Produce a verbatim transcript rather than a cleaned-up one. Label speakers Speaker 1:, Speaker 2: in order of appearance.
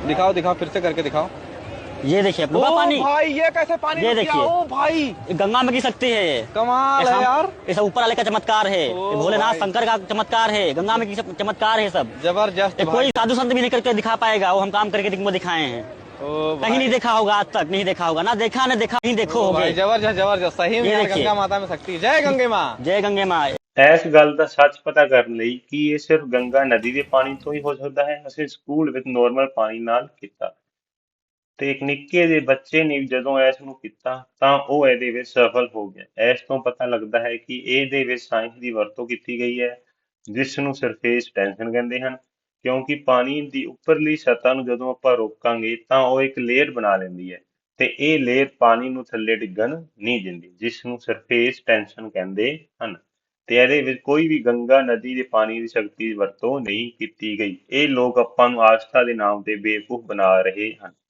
Speaker 1: दिखाओ दिखाओ, फिर से करके दिखाओ।
Speaker 2: ये देखिए
Speaker 1: ओ
Speaker 2: डूबा पानी।
Speaker 1: भाई, ये कैसे पानी
Speaker 2: ये
Speaker 1: रुक गया?
Speaker 2: देखिए।
Speaker 1: ओ भाई,
Speaker 2: ये गंगा में गिर सकती है ये।
Speaker 1: कमाल
Speaker 2: ये
Speaker 1: है
Speaker 2: हम-
Speaker 1: यार।
Speaker 2: ये सब ऊपर वाले का चमत्कार है,
Speaker 1: ओ
Speaker 2: ये भोलेनाथ
Speaker 1: भाई।
Speaker 2: शंकर का चमत्कार है, गंगा में गिर- चमत्कार है सब।
Speaker 1: जबरदस्त
Speaker 2: ये
Speaker 1: भाई।
Speaker 2: कोई साधु संत भी नहीं करके दिखा पाएगा, वो हम काम करके तुमको दिखाए हैं।
Speaker 1: ओ
Speaker 2: कहीं नहीं
Speaker 1: भाई,
Speaker 2: देखा होगा, आज तक नहीं देखा होगा, ना देखा ना देखा, नहीं देखो
Speaker 1: ओ भाई,
Speaker 2: होगे।
Speaker 1: जबरदस्त जबरदस्त, सही में
Speaker 2: ये
Speaker 1: यार,
Speaker 2: देखिए।
Speaker 1: गंगा माता में शक्ति। जय गंगे माँ।
Speaker 2: जय गंगे माँ।
Speaker 3: ਇਸ ਗੱਲ ਦਾ ਸੱਚ ਪਤਾ ਕਰਨ ਲਈ ਕਿ ਇਹ ਸਿਰਫ ਗੰਗਾ ਨਦੀ ਦੇ ਪਾਣੀ ਤੋਂ ਹੀ ਹੋ ਸਕਦਾ ਹੈ, ਅਸੀਂ ਸਕੂਲ ਵਿੱਚ ਨੋਰਮਲ ਪਾਣੀ ਨਾਲ ਕੀਤਾ ਤੇ ਇੱਕ ਨਿੱਕੇ ਜਿਹੇ ਬੱਚੇ ਨੇ ਜਦੋਂ ਇਸ ਨੂੰ ਕੀਤਾ ਤਾਂ ਉਹ ਇਹਦੇ ਵਿੱਚ ਸਫਲ ਹੋ ਗਿਆ। ਇਸ ਤੋਂ ਪਤਾ ਲੱਗਦਾ ਹੈ ਕਿ ਇਹਦੇ ਵਿੱਚ ਸਾਇੰਸ ਦੀ ਵਰਤੋਂ ਕੀਤੀ ਗਈ ਹੈ, ਜਿਸ ਨੂੰ ਸਰਫੇਸ ਟੈਂਸ਼ਨ ਕਹਿੰਦੇ ਹਨ, ਕਿਉਂਕਿ ਪਾਣੀ ਦੀ ਉੱਪਰਲੀ ਸਤ੍ਹਾ ਨੂੰ ਜਦੋਂ ਆਪਾਂ ਰੋਕਾਂਗੇ ਤਾਂ ਉਹ ਇੱਕ ਲੇਅਰ ਬਣਾ ਲੈਂਦੀ ਹੈ ਤੇ ਇਹ ਲੇਅਰ ਪਾਣੀ ਨੂੰ ਥੱਲੇ ਡਿੱਗਣ ਨਹੀਂ ਦਿੰਦੀ, ਜਿਸ ਨੂੰ ਸਰਫੇਸ ਟੈਂਸ਼ਨ ਕਹਿੰਦੇ ਹਨ। ਤੇ ਇਹਦੇ ਵਿੱਚ ਕੋਈ ਵੀ ਗੰਗਾ ਨਦੀ ਦੇ ਪਾਣੀ ਦੀ ਸ਼ਕਤੀ ਦੀ ਵਰਤੋਂ ਨਹੀਂ ਕੀਤੀ ਗਈ। ਇਹ ਲੋਕ ਆਪਾਂ ਨੂੰ ਆਸਥਾ ਦੇ ਨਾਮ ਤੇ ਬੇਵਕੂਫ ਬਣਾ ਰਹੇ ਹਨ।